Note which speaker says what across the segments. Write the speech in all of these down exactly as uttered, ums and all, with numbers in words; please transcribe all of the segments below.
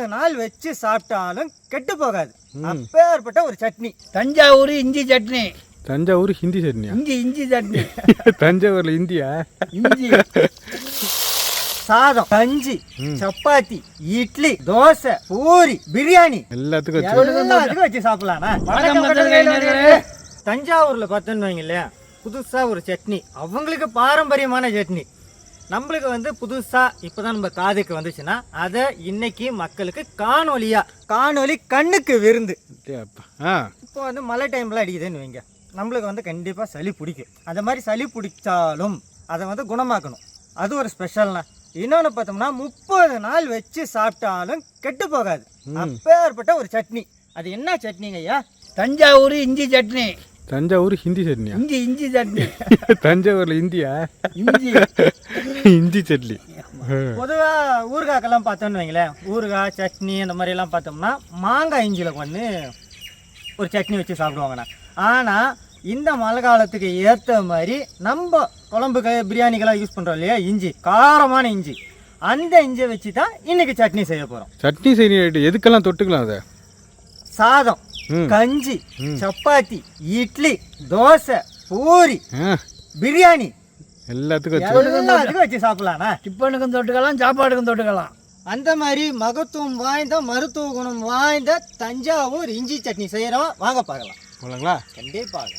Speaker 1: முப்பது நாள் வச்சு சாப்பிட்டாலும் கெட்டு போகாது. அப்பேற்பட்ட ஒரு சட்னி
Speaker 2: தஞ்சாவூர் இஞ்சி சட்னி.
Speaker 3: தஞ்சாவூர் ஹிந்தி சட்னியா?
Speaker 2: இஞ்சி இஞ்சி சட்னி.
Speaker 3: தஞ்சாவூர்ல இந்தியா?
Speaker 2: இஞ்சி.
Speaker 1: சாதம், கஞ்சி, சப்பாத்தி, இட்லி, தோசை, பூரி, பிரியாணி
Speaker 3: எல்லாத்துக்கும்
Speaker 1: எல்லாத்துக்கும் வச்சு சாப்பிடலாம். தஞ்சாவூர்ல பார்த்தோன்னு வைங்க இல்லையா, புதுசா ஒரு சட்னி, அவங்களுக்கு பாரம்பரியமான சட்னி. நம்மளுக்கு வந்து புதுசா இப்பதான் நம்ம காதுக்கு வந்துச்சுன்னா அதை இன்னைக்கு மக்களுக்கு காணொலியா, காணொலி கண்ணுக்கு விருந்து. இப்போ வந்து மழை டைம்ல அடிக்குதுன்னு வைங்க, நம்மளுக்கு வந்து கண்டிப்பா சளி பிடிக்கும். அந்த மாதிரி சளி பிடிச்சாலும் அதை வந்து குணமாக்கணும், அது ஒரு ஸ்பெஷல்னா. இன்னொன்று பார்த்தோம்னா முப்பது நாள் வச்சு சாப்பிட்டாலும் கெட்டு போகாது. அப்பேற்பட்ட ஒரு சட்னி. அது என்ன சட்னிங்க ஐயா?
Speaker 2: தஞ்சாவூர் இஞ்சி சட்னி.
Speaker 3: தஞ்சாவூர் ஹிந்தி சட்னியா?
Speaker 2: இஞ்சி இஞ்சி சட்னி.
Speaker 3: தஞ்சாவூர்ல இந்தியா?
Speaker 2: இஞ்சி
Speaker 3: இஞ்சி சட்னி.
Speaker 1: பொதுவாக ஊறுகாக்கெல்லாம் பார்த்தோன்னு வைங்களேன், ஊறுகாய் சட்னி அந்த மாதிரி எல்லாம் பார்த்தோம்னா மாங்காய் இஞ்சியில் பண்ணி ஒரு சட்னி வச்சு சாப்பிடுவாங்கண்ணா. ஆனால் இந்த மழை காலத்துக்கு ஏற்ற மாதிரி நம்ம குழம்புக்கு பிரியாணிக்கெல்லாம் யூஸ் பண்ணுறோம் இல்லையா, இஞ்சி, காரமான இஞ்சி, அந்த இஞ்சியை வச்சு தான் இன்னைக்கு சட்னி செய்ய போகிறோம்.
Speaker 3: சட்னி செய்ய எதுக்கெல்லாம் தொட்டுக்கலாம்? அதை
Speaker 1: சாதம், கஞ்சி, சப்பாத்தி, இட்லி, தோசை, பூரி, பிரியாணி
Speaker 3: எல்லாத்துக்கும்
Speaker 1: எல்லாத்துக்கும் வச்சு சாப்பிடலாம்.
Speaker 2: டிஃபனுக்கும் தொட்டுக்கலாம், சாப்பாடுக்கும் தொட்டுக்கலாம்.
Speaker 1: அந்த மாதிரி மகத்துவம் வாய்ந்த மருத்துவ குணம் வாய்ந்த தஞ்சாவூர் இஞ்சி சட்னி செய்யறோம், வாங்க பார்க்கலாம்.
Speaker 3: போலாங்களா?
Speaker 1: கண்டிப்பாக.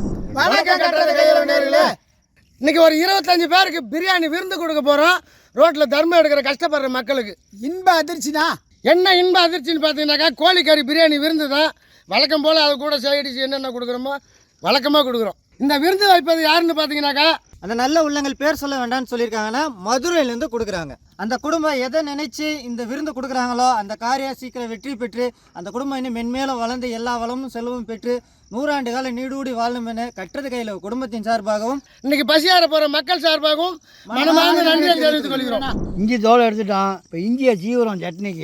Speaker 4: இன்னைக்கு ஒரு இருபத்தஞ்சு பேருக்கு பிரியாணி விருந்து கொடுக்க போறோம். ரோட்ல தர்மம் எடுக்கிற கஷ்டப்படுற மக்களுக்கு இன்ப அதிர்ச்சி தான். என்ன இன்ப அதிர்ச்சின்னு பார்த்தீங்கன்னாக்கா, கோழிக்கறி பிரியாணி விருந்து தான். வழக்கம் போல் அது கூட சைடிச்சு என்னென்ன கொடுக்குறோமோ வழக்கமாக கொடுக்குறோம். இந்த விருந்து வைப்பது யாருன்னு பார்த்தீங்கன்னாக்கா,
Speaker 1: அந்த நல்ல உள்ளங்கள் பேர் சொல்ல வேண்டாம்னு சொல்லியிருக்காங்கன்னா மதுரையிலேருந்து கொடுக்குறாங்க. அந்த குடும்பம் எதை நினைச்சு இந்த விருந்து கொடுக்குறாங்களோ அந்த காரியம் சீக்கிரம் வெற்றி பெற்று அந்த குடும்பம் இன்னும் மென்மேலும் வளர்ந்து எல்லா வளமும் செலவும் பெற்று நூறாண்டு காலம் நீடூடி வாழும் என கட்டுறது கையில் குடும்பத்தின் சார்பாகவும்
Speaker 4: இன்னைக்கு பசியார போகிற மக்கள் சார்பாகவும் மனமார்ந்த நன்றியை தெரிவித்துக் கொள்கிறோம்.
Speaker 2: இஞ்சி தோலை எடுத்துட்டோம், இப்போ இஞ்சியை சீவுறோம் சட்னிக்கு.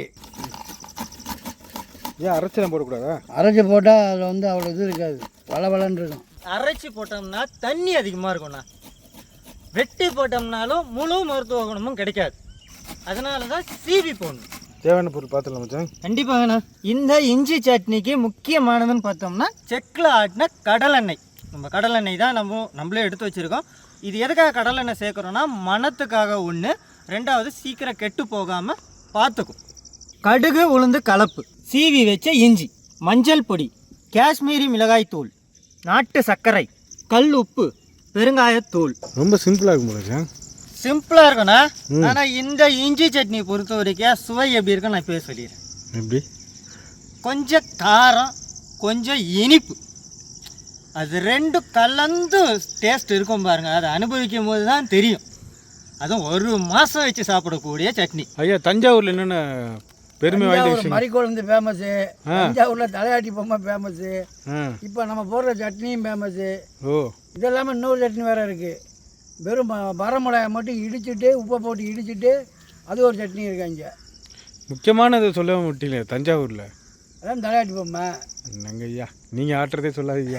Speaker 3: ஏன் அரைச்சலாம் போடக்கூடாதா?
Speaker 2: அரைச்சி போட்டால் அதில் வந்து அவ்வளோ இது இருக்காது, வள வளன்னு இருக்கும்.
Speaker 1: அரைச்சி போட்டோம்னா தண்ணி அதிகமாக இருக்கும்ண்ணா, வெட்டி போட்டோம்னாலும் முழு மருத்துவ குணமும் கிடைக்காது. அதனால தான் சீவி போடணும்.
Speaker 3: தேவையான பொருள் பார்த்துலாம் மச்சான்.
Speaker 1: கண்டிப்பாங்கண்ணா. இந்த இஞ்சி சட்னிக்கு முக்கியமானதுன்னு பார்த்தோம்னா செக்கில் ஆட்டின கடலெண்ணெய். நம்ம கடலெண்ணெய் தான் நம்ம நம்மளே எடுத்து வச்சுருக்கோம். இது எதுக்காக கடலெண்ணெய் சேர்க்குறோன்னா மணத்துக்காக ஒன்று, ரெண்டாவது சீக்கிரம் கெட்டு போகாமல் பார்த்துக்கும். கடுகு உளுந்து கலப்பு, சீவி வச்ச இஞ்சி, மஞ்சள் பொடி, காஷ்மீரி மிளகாய் தூள், நாட்டு சர்க்கரை, கல் உப்பு, பெருங்காயத்தூள்.
Speaker 3: ரொம்ப சிம்பிளாக இருக்கும் மச்சான்.
Speaker 1: சிம்பிளாக இருக்குண்ணா. ஆனால் இந்த இஞ்சி சட்னி பொறுத்த வரைக்கும் சுவை எப்படி இருக்குன்னு நான் இப்போ சொல்லிடுறேன்.
Speaker 3: எப்படி?
Speaker 1: கொஞ்சம் காரம், கொஞ்சம் இனிப்பு, அது ரெண்டும் கலந்து டேஸ்ட் இருக்கும் பாருங்க. அதை அனுபவிக்கும் போது தான் தெரியும். அதுவும் ஒரு மாதம் வச்சு சாப்பிடக்கூடிய சட்னி.
Speaker 3: ஐயா, தஞ்சாவூரில் என்னென்ன பெருமை வாய்ந்த விஷயம்?
Speaker 2: மறிக்குழந்து ஃபேமஸு, தஞ்சாவூரில் தலையாட்டி பொம்மை ஃபேமஸு, இப்போ நம்ம போடுற சட்னியும் ஃபேமஸு.
Speaker 3: ஓ,
Speaker 2: இதெல்லாமே இன்னொரு சட்னி வேறு இருக்குது. வெறும் வரமிளகாய் மட்டும் இடிச்சுட்டு உப்பை போட்டு இடிச்சுட்டு அது ஒரு சட்னி இருக்காங்க.
Speaker 3: முக்கியமானது சொல்ல மாட்டீங்களே தஞ்சாவூரில்?
Speaker 2: அதான் தலையாட்டி பொம்மை.
Speaker 3: என்னங்க ஐயா, நீங்கள் ஆட்டுறதே சொல்லாதீங்க.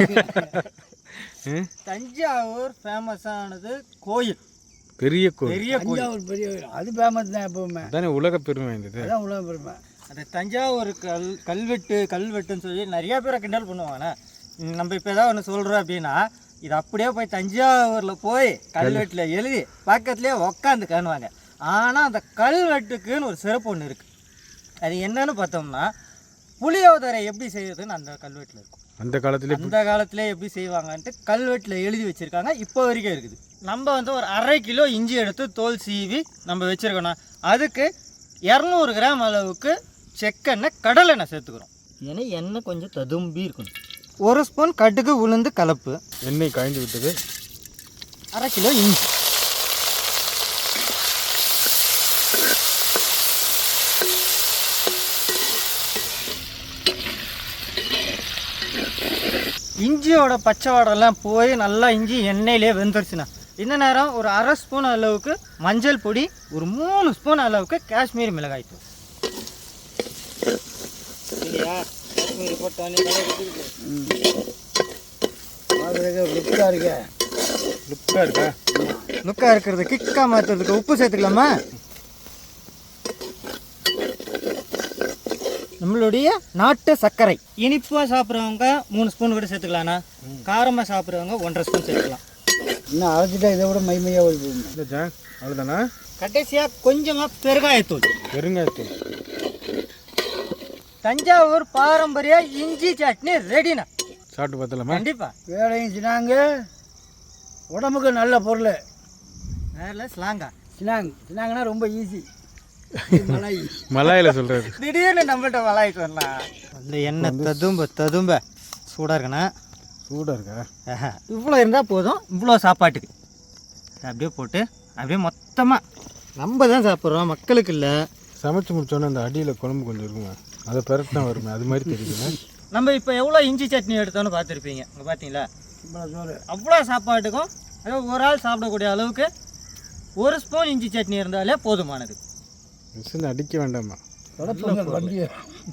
Speaker 1: தஞ்சாவூர் ஃபேமஸானது கோயில்,
Speaker 3: பெரிய கோயில்.
Speaker 1: பெரிய
Speaker 2: தஞ்சாவூர் பெரிய கோயில், அது ஃபேமஸ் தான் எப்பவுமே.
Speaker 3: தானே உலக பெருமை வாய்ந்தது.
Speaker 2: அதான் உலக பெருமை.
Speaker 1: அந்த தஞ்சாவூர் கல் கல்வெட்டு கல்வெட்டுன்னு சொல்லி நிறையா பேரை கிண்டல் பண்ணுவாங்கண்ணா. நம்ம இப்போ ஏதாவது ஒன்று சொல்கிறோம் அப்படின்னா இது அப்படியே போய் தஞ்சாவூரில் போய் கல்வெட்டில் எழுதி பக்கத்துலேயே உக்காந்து காணுவாங்க. ஆனால் அந்த கல்வெட்டுக்குன்னு ஒரு சிறப்பு ஒன்று இருக்குது. அது என்னன்னு பார்த்தோம்னா, புளியோதரை எப்படி செய்யுதுன்னு அந்த கல்வெட்டில் இருக்கும்.
Speaker 3: அந்த காலத்துல
Speaker 1: அந்த காலத்திலே எப்படி செய்வாங்கன்ட்டு கல்வெட்டில் எழுதி வச்சுருக்காங்க, இப்போ வரைக்கும் இருக்குது. நம்ம வந்து ஒரு அரை கிலோ இஞ்சி எடுத்து தோல் சீவி நம்ம வச்சுருக்கோண்ணா. அதுக்கு இரநூறு கிராம் அளவுக்கு செக்கெண்ணெய் கடலெண்ணெய் சேர்த்துக்கிறோம். ஏன்னா எண்ணெய் கொஞ்சம் ததும்பி இருக்கணும். ஒரு ஸ்பூன் கடுகு உளுந்து கலப்பு,
Speaker 3: எண்ணெய் காய்ந்து விட்டது.
Speaker 1: அரை கிலோ இஞ்சி, இஞ்சியோட பச்சை வாடெல்லாம் போய் நல்லா இஞ்சி எண்ணெயிலே வெந்துருச்சுண்ணா. இந்த நேரம் ஒரு அரை ஸ்பூன் அளவுக்கு மஞ்சள் பொடி, ஒரு மூணு ஸ்பூன் அளவுக்கு காஷ்மீரி மிளகாய் தூள்.
Speaker 2: லுக்காக இருக்கா
Speaker 3: லுக்காக இருக்கா
Speaker 1: லுக்காக இருக்கிறது கிக்காக மாற்றுறதுக்கு உப்பு சேர்த்துக்கலாமா? நம்மளுடைய நாட்டு சர்க்கரை. இனிப்பாக சாப்பிட்றவங்க மூணு ஸ்பூன் கூட சேர்த்துக்கலாண்ணா. காரமாக சாப்பிட்றவங்க ஒன்றரை ஸ்பூன் சேர்த்துக்கலாம்.
Speaker 2: இன்னும் அரைச்சிட்டா இதை விட மைமையாக வருது.
Speaker 3: இல்லை ஜான் அவ்வளோதானா?
Speaker 1: கடைசியாக கொஞ்சமாக பெருங்காயத்தூள்.
Speaker 3: பெருங்காயத்தூள்.
Speaker 1: தஞ்சாவூர் பாரம்பரிய இஞ்சி சட்னி ரெடிண்ணா.
Speaker 3: சாப்பிட்டு பார்த்தலாமா?
Speaker 1: கண்டிப்பாக.
Speaker 2: வேலையும் சினாங்க உடம்புக்கு நல்ல பொருள்.
Speaker 1: வேலை ஸ்லாங்கா.
Speaker 2: சினாங் சினாங்கன்னா ரொம்ப ஈஸி. மலாய்
Speaker 3: மலாயில் சொல்கிறது.
Speaker 1: திடீர்னு நம்மள்கிட்ட மலாய் சொல்லலாம். அந்த எண்ணெய் ததும்ப ததும்ப சூடாக இருக்குண்ணா.
Speaker 3: சூடாக இருக்கா?
Speaker 1: இவ்வளோ இருந்தால் போதும். இவ்வளோ சாப்பாட்டுக்கு அப்படியே போட்டு அப்படியே மொத்தமாக நம்ம தான் சாப்பிட்றோம், மக்களுக்கு இல்லை.
Speaker 3: சமைச்சு முடிச்சோன்னே அந்த அடியில் குழம்பு கொஞ்சம் இருக்குங்க, அதை பெரட்டினா வருமே, அது மாதிரி தெரியுதுங்க.
Speaker 1: நம்ம இப்போ எவ்வளோ இஞ்சி சட்னி எடுத்தோன்னு பார்த்துருப்பீங்க. இங்கே பார்த்தீங்களா?
Speaker 2: சோறு.
Speaker 1: அவ்வளோ சாப்பாட்டுக்கும் அதாவது ஒரு ஆள் சாப்பிடக்கூடிய அளவுக்கு ஒரு ஸ்பூன் இஞ்சி சட்னி இருந்தாலே போதுமானது.
Speaker 3: மிஷின் அடிக்க வேண்டாமா?
Speaker 2: தொடப்புங்க வண்டியை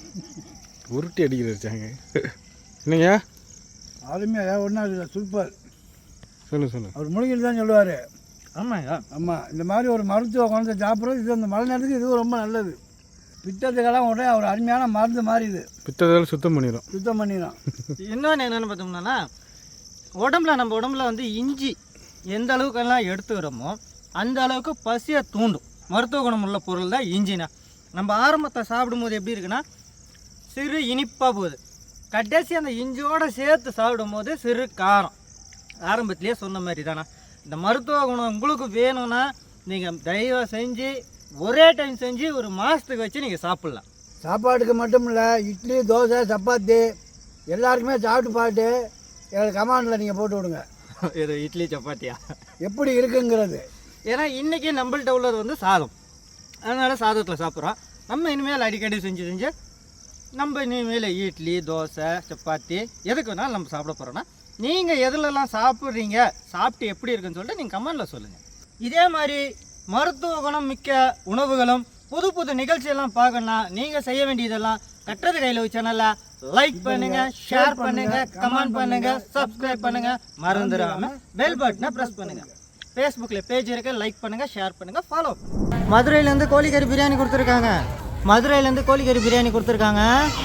Speaker 3: உருட்டி அடிக்கிற வச்சாங்க. என்னங்க
Speaker 2: அருமையாக ஒன்றா இல்லை, சூப்பர்.
Speaker 3: சொல்லு சொல்லு.
Speaker 2: அவர் முழுங்கிட்டு தான் சொல்லுவார்.
Speaker 1: ஆமாங்க.
Speaker 2: ஆமாம், இந்த மாதிரி ஒரு மருத்துவ குழந்தை சாப்பிட்றது இது அந்த மழை நேரத்துக்கு இதுவும் ரொம்ப நல்லது. பித்தத்துக்கெல்லாம் உடனே ஒரு அருமையான மருந்து மாதிரி இது.
Speaker 3: பித்தத்தால் சுத்தம் பண்ணிடும்.
Speaker 2: சுத்தம் பண்ணிடும்.
Speaker 1: இன்னொன்று என்னென்னு பார்த்தோம்னா, உடம்புல நம்ம உடம்புல வந்து இஞ்சி எந்த அளவுக்கெல்லாம் எடுத்துக்கிறோமோ அந்த அளவுக்கு பசியை தூண்டும் மருத்துவ குணம் உள்ள பொருள் தான் இஞ்சினா. நம்ம ஆரம்பத்தை சாப்பிடும்போது எப்படி இருக்குன்னா சிறு இனிப்பாக போகுது. கடைசி அந்த இஞ்சியோடு சேர்த்து சாப்பிடும்போது சிறு காரம். ஆரம்பத்திலே சொன்ன மாதிரி தானே. இந்த மருத்துவ குணம் உங்களுக்கு வேணும்னா நீங்கள் தயவு செஞ்சு ஒரே டைம் செஞ்சு ஒரு மாதத்துக்கு வச்சு நீங்கள் சாப்பிட்லாம்.
Speaker 2: சாப்பாட்டுக்கு மட்டும் இல்லை, இட்லி தோசை சப்பாத்தி எல்லாருக்குமே சாப்பிட்டு பார்த்து எங்களுக்கு கமாண்டில் நீங்கள் போட்டு விடுங்க.
Speaker 1: இது இட்லி சப்பாத்தியா
Speaker 2: எப்படி இருக்குங்கிறது.
Speaker 1: ஏன்னா இன்றைக்கி நம்மள்கிட்ட உள்ளது வந்து சாதம், அதனால் சாதத்தில் சாப்பிட்றோம். நம்ம இனிமேல் அடிக்கடி செஞ்சு செஞ்சு நம்ம இனிமேல் இட்லி தோசை சப்பாத்தி எதுக்கு வேணாலும் நம்ம சாப்பிட போகிறோன்னா நீங்கள் எதுலலாம் சாப்பிட்றீங்க, சாப்பிட்டு எப்படி இருக்குன்னு சொல்லிட்டு நீங்கள் கமெண்டில் சொல்லுங்கள். இதே மாதிரி மருத்துவ குணம் மிக்க உணவுகளும் புது புது நிகழ்ச்சியெல்லாம் பார்க்கணுன்னா நீங்கள் செய்ய வேண்டியதெல்லாம் கட்டுறது கையில் சேனலை லைக் பண்ணுங்க, ஷேர் பண்ணுங்க, கமெண்ட் பண்ணுங்க, சப்ஸ்கிரைப் பண்ணுங்க, மறந்துடாம பெல் பட்டனை ப்ரெஸ் பண்ணுங்க. ஃபேஸ்புக்கில் பேஜ் இருக்கு, லைக் பண்ணுங்க, ஷேர் பண்ணுங்க, ஃபாலோ. மதுரையிலேருந்து கோழிக்கறி பிரியாணி கொடுத்துருக்காங்க. மதுரையிலேருந்து கோழிக்கறி பிரியாணி கொடுத்துருக்காங்க.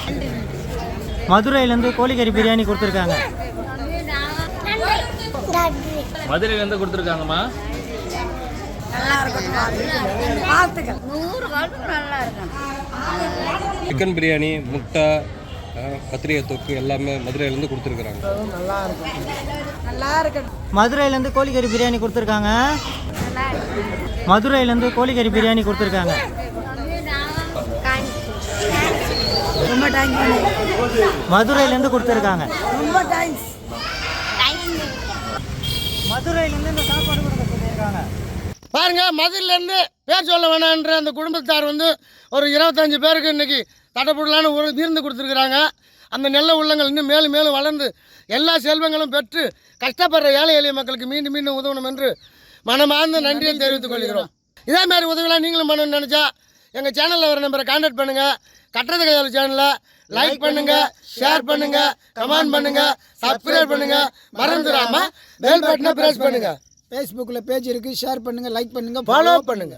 Speaker 1: மதுரையிலேருந்து கோழிக்கறி பிரியாணி கொடுத்துருக்காங்க.
Speaker 5: மதுரையிலேருந்து கொடுத்துருக்காங்கம்மா. சிக்கன் பிரியாணி, முட்டை, கத்திரிக்காய் தொக்கு எல்லாமே மதுரையிலேருந்து கொடுத்துருக்குறாங்க.
Speaker 1: மதுரையிலேருந்து கோழிக்கறி பிரியாணி கொடுத்துருக்காங்க. மதுரையிலேருந்து கோழிக்கறி பிரியாணி கொடுத்துருக்காங்க.
Speaker 2: ரொம்ப தேங்க்யூ.
Speaker 1: மதுரையிலேருந்து கொடுத்துருக்காங்க. ரொம்ப தேங்க்ஸ். மதுரையிலேருந்து இந்த சாப்பாடு கொடுக்க சொல்லியிருக்காங்க.
Speaker 4: பாருங்க, மதுரையிலேருந்து பேர் சொல்ல வேணான்ற அந்த குடும்பத்தார் வந்து ஒரு இருபத்தஞ்சி பேருக்கு இன்றைக்கி தடப்படலான்னு ஒரு விருந்து கொடுத்துருக்குறாங்க. அந்த நல்ல உள்ளங்கள் இன்னும் மேலும் மேலும் வளர்ந்து எல்லா செல்வங்களும் பெற்று கஷ்டப்படுற ஏழை எளிய மக்களுக்கு மீண்டும் மீண்டும் உதவணும் என்று மனமார்ந்த நன்றியை தெரிவித்துக் கொள்கிறோம். இதே மாதிரி உதவிலாம் நீங்களும் பண்ணணும்னு நினச்சா எங்கள் சேனலில் வர நம்பரை கான்டாக்ட் பண்ணுங்கள். கட்டுறது கையால் சேனலில் லைக் பண்ணுங்கள், ஷேர் பண்ணுங்கள், கமெண்ட் பண்ணுங்கள், சப்ஸ்கிரைப் பண்ணுங்கள், மறந்துடாமல் பெல் பட்டனை ப்ரெஸ் பண்ணுங்கள்.
Speaker 2: ஃபேஸ்புக்கில் பேஜ் இருக்குது, ஷேர் பண்ணுங்கள், லைக் பண்ணுங்கள்,
Speaker 4: ஃபாலோ பண்ணுங்கள்.